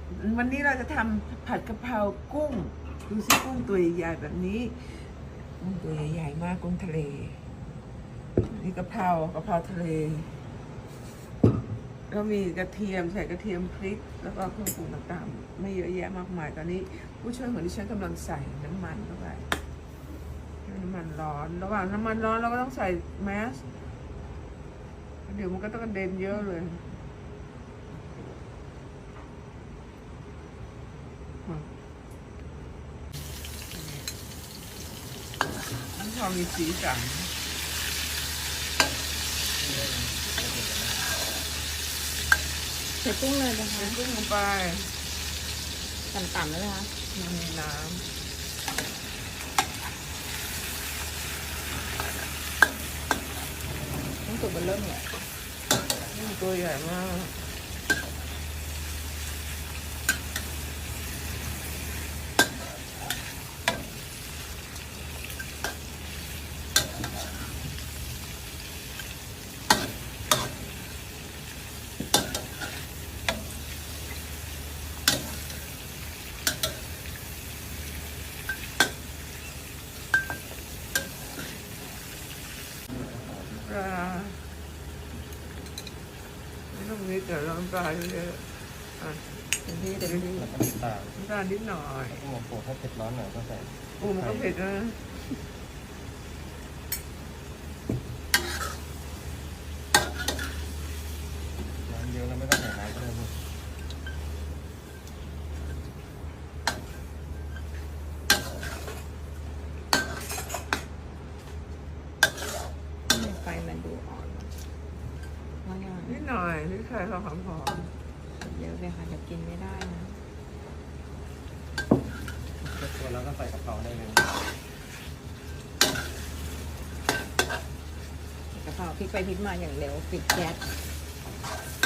วันนี้เราจะทำผัดกะเพรากุ้งดูสิกุ้งตัวใหญ่ๆแบบนี้กุ้งตัวใหญ่ๆมากกุ้งทะเลนี่กะเพราทะเลแล้วมีกระเทียมใส่กระเทียมพริกแล้วก็เครื่องปรุงต่างๆไม่เยอะแยะมากมายตอนนี้ผู้ช่วยของดิฉันกำลังใส่น้ำมันเข้าไปน้ำมันร้อนระหว่างน้ำมันร้อนเราก็ต้องใส่แมสเดี๋ยวมันก็ต้องกระเด็นเยอะเลยมันพอมีสีสันใส่กุ้งเลยนะคะใส่กุ้งลงไปต่ำๆแล้วนะคะมันมีน้ต้องสุกมันเริ่มเลยำนี่ตัวใหญ่มากปลาไม่ต้องนิดเดี๋ยวน้ำปลาเยอะๆอ่ะเต็มที่เต็มที่แล้วก็น้ำตาลน้ำตาลนิดหน่อยโอ้โหถ้าเผ็ดร้อนหน่อยก็ใส่ปูมันก็เผ็ดนะน้ำเยอะแล้วไม่ต้องใส่น้ำก็ได้ลูกไฟมันดูอ่อนว่าไงนิดหน่อยนิดไข่พอหอมเยอะเลยค่ะเดี๋ยวกินไม่ได้นะเสร็จตัวแล้วก็ใส่กะเพราได้เลยกะเพราพลิกไปพลิกมาอย่างเร็วปิดแก๊ส